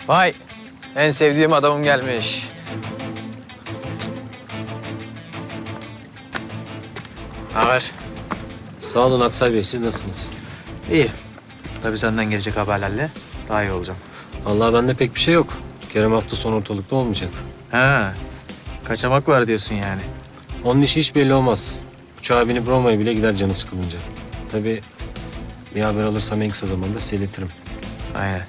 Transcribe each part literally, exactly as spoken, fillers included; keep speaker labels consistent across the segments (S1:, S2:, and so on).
S1: Vay, en sevdiğim adamım gelmiş. Ne haber?
S2: Sağ olun Aksay Bey, siz nasılsınız?
S1: İyi. Tabii senden gelecek haberlerle daha iyi olacağım.
S2: Vallahi bende pek bir şey yok. Kerem hafta sonu ortalıkta olmayacak.
S1: Ha, kaçamak var diyorsun yani.
S2: Onun işi hiç belli olmaz. Uçağa binip Roma'ya bile gider canı sıkılınca. Tabii bir haber alırsam en kısa zamanda size iletirim.
S1: Aynen.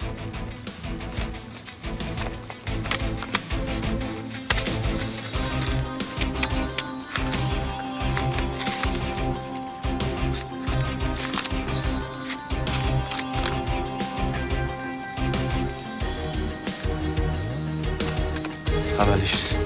S1: Haberleşiriz.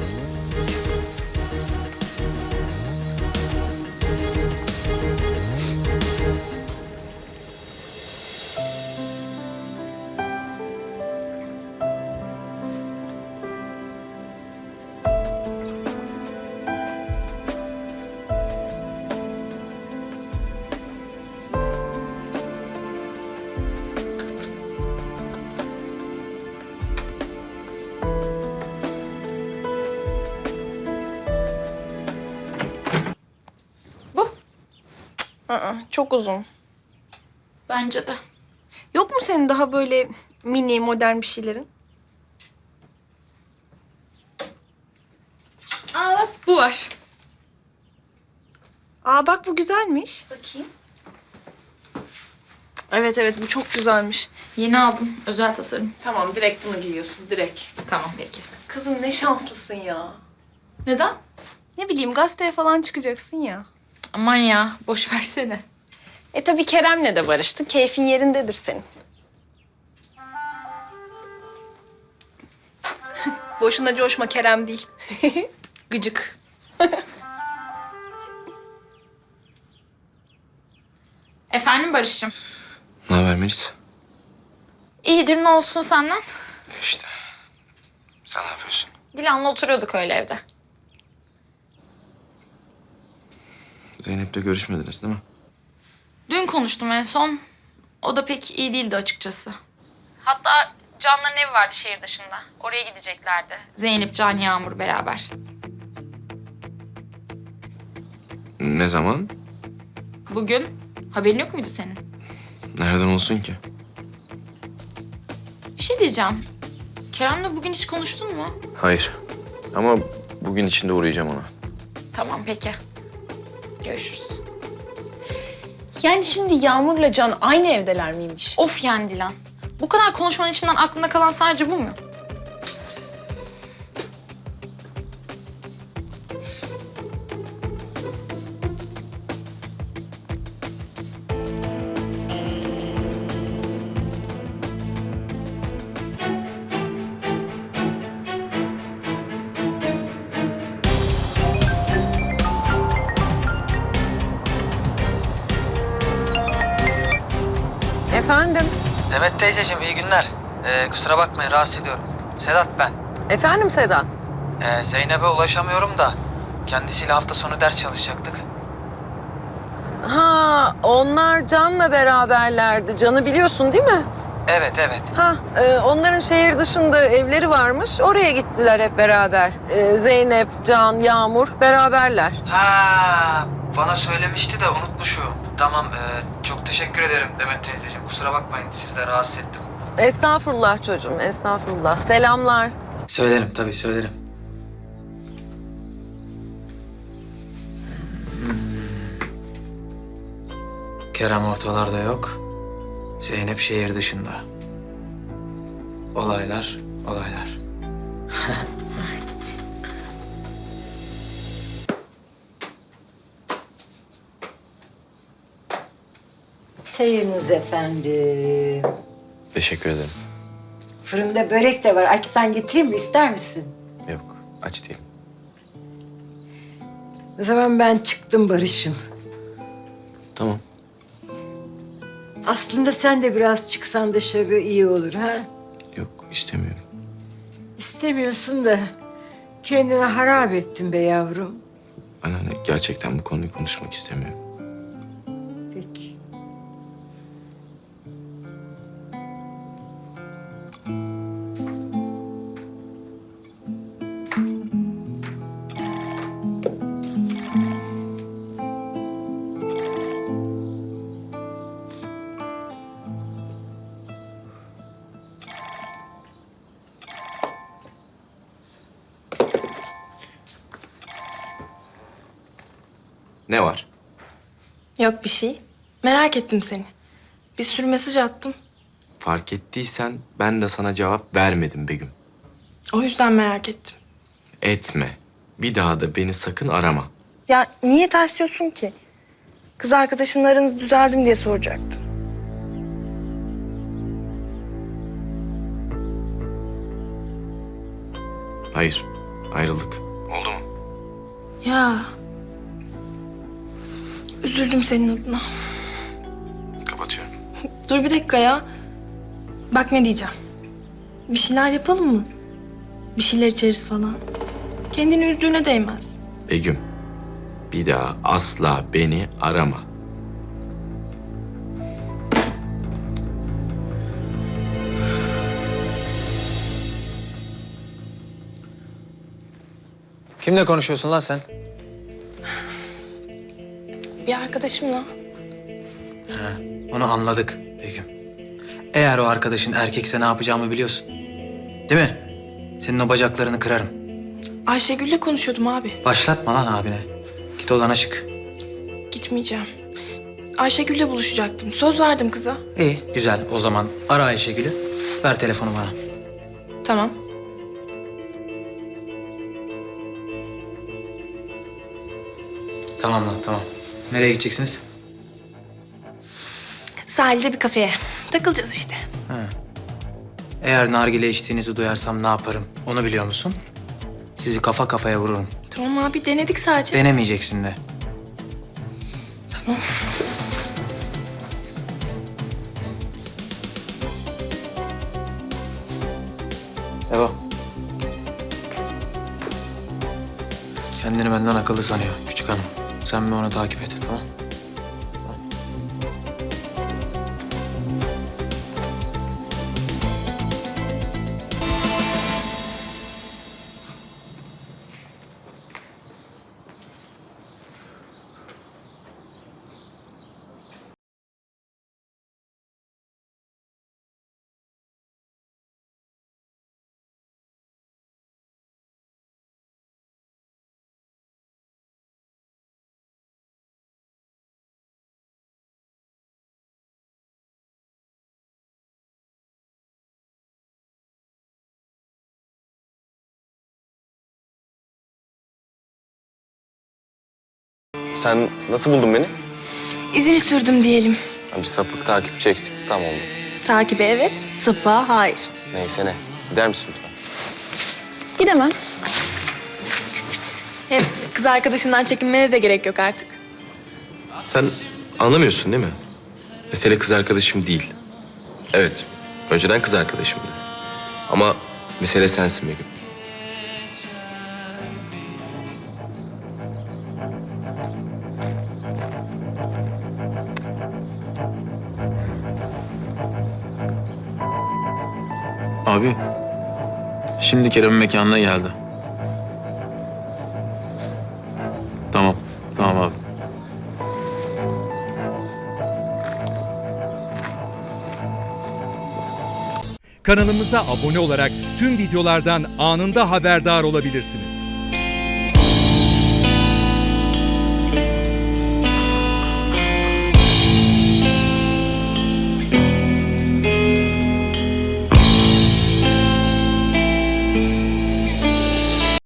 S3: Aa, çok uzun.
S4: Bence de.
S3: Yok mu senin daha böyle mini, modern bir şeylerin?
S4: Aa bak bu var.
S3: Aa bak bu güzelmiş.
S4: Bakayım.
S3: Evet evet bu çok güzelmiş.
S4: Yeni aldım. Özel tasarım.
S3: Tamam direkt bunu giyiyorsun direkt.
S4: Tamam peki.
S3: Kızım ne şanslısın ya.
S4: Neden?
S3: Ne bileyim gazeteye falan çıkacaksın ya.
S4: Aman ya boş versene.
S3: E tabii Kerem'le de barıştın. Keyfin yerindedir senin. Boşuna coşma Kerem değil.
S4: Gıcık. Efendim Barış'ım.
S5: Ne haber Melis?
S4: İyidir ne olsun senden?
S5: İşte. Sen ne yapıyorsun?
S4: Dilan'la oturuyorduk öyle evde.
S5: Zeynep'le görüşmediniz değil mi?
S4: Dün konuştum en son. O da pek iyi değildi açıkçası. Hatta Can'ların evi vardı şehir dışında. Oraya gideceklerdi. Zeynep, Can, Yağmur beraber.
S5: Ne zaman?
S4: Bugün haberin yok muydu senin?
S5: Nereden olsun ki?
S4: Bir şey diyeceğim. Kerem'le bugün hiç konuştun mu?
S5: Hayır. Ama bugün içinde uğrayacağım ona.
S4: Tamam peki. Görüşürüz.
S3: Yani şimdi Yağmur'la Can aynı evdeler miymiş?
S4: Of yani Dilan. Bu kadar konuşmanın içinden aklında kalan sadece bu mu?
S6: Efendim?
S1: Demet teyzeciğim iyi günler. Ee, kusura bakmayın rahatsız ediyorum. Sedat ben.
S6: Efendim Sedat?
S1: Ee, Zeynep'e ulaşamıyorum da kendisiyle hafta sonu ders çalışacaktık.
S6: Ha, onlar Can'la beraberlerdi. Can'ı biliyorsun değil mi?
S1: Evet evet.
S6: Ha, e, onların şehir dışında evleri varmış. Oraya gittiler hep beraber. E, Zeynep, Can, Yağmur beraberler.
S1: Ha, bana söylemişti de unutmuşum. Tamam ee, çok teşekkür ederim Demet teyzeciğim. Kusura bakmayın sizle rahatsız ettim.
S6: Estağfurullah çocuğum, estağfurullah. Selamlar.
S1: Söylerim tabii söylerim. Kerem ortalarda yok. Zeynep şehir dışında. Olaylar, olaylar.
S7: Çayınız efendim.
S5: Teşekkür ederim.
S7: Fırında börek de var. Açsan getireyim mi? İster misin?
S5: Yok, aç değilim.
S7: O zaman ben çıktım Barış'ım.
S5: Tamam.
S7: Aslında sen de biraz çıksan dışarı iyi olur ha?
S5: Yok, istemiyorum.
S7: İstemiyorsun da kendini harap ettin be yavrum.
S5: Ben hani gerçekten bu konuyu konuşmak istemiyorum.
S7: Peki.
S5: Ne var?
S8: Yok bir şey. Merak ettim seni. Bir sürü mesaj attım.
S5: Fark ettiysen ben de sana cevap vermedim Begüm.
S8: O yüzden merak ettim.
S5: Etme. Bir daha da beni sakın arama.
S8: Ya niye tersliyorsun ki? Kız arkadaşınla aranız düzeldi mi diye soracaktım.
S5: Hayır. Ayrıldık. Oldu mu?
S8: Ya. Üzüldüm senin adına.
S5: Kapatıyorum.
S8: Dur bir dakika ya. Bak ne diyeceğim. Bir şeyler yapalım mı? Bir şeyler içeriz falan. Kendini üzdüğüne değmez.
S5: Begüm. Bir daha asla beni arama.
S1: Kimle konuşuyorsun lan sen?
S8: Bir arkadaşımla.
S1: Onu anladık Begüm. Eğer o arkadaşın erkekse ne yapacağımı biliyorsun. Değil mi? Senin o bacaklarını kırarım.
S8: Ayşegül'le konuşuyordum abi.
S1: Başlatma lan abine. Git odana çık.
S8: Gitmeyeceğim. Ayşegül'le buluşacaktım. Söz verdim kıza.
S1: İyi, güzel. O zaman ara Ayşegül'ü. Ver telefonu bana.
S8: Tamam.
S1: Tamam lan, tamam. Nereye gideceksiniz?
S8: Sahilde bir kafeye. Takılacağız işte.
S1: Eğer nargile içtiğinizi duyarsam ne yaparım? Onu biliyor musun? Sizi kafa kafaya vururum.
S8: Tamam abi denedik sadece.
S1: Denemeyeceksin de.
S8: Tamam.
S1: Devam. Kendini benden akıllı sanıyor küçük hanım. Sen bir onu takip et, tamam?
S5: Sen nasıl buldun beni?
S8: İzini sürdüm diyelim.
S5: Bir sapık takipçi eksikti, tam oldu.
S8: Takibe evet, sıpa hayır.
S5: Neyse ne. Gider misin lütfen?
S8: Gidemem. Hem kız arkadaşından çekinmene de gerek yok artık.
S5: Sen anlamıyorsun değil mi? Mesele kız arkadaşım değil. Evet, önceden kız arkadaşımdı. Ama mesele sensin Begüm.
S9: Abi, şimdi Kerem'in mekanına geldi. Tamam, tamam abi.
S10: Kanalımıza abone olarak tüm videolardan anında haberdar olabilirsiniz.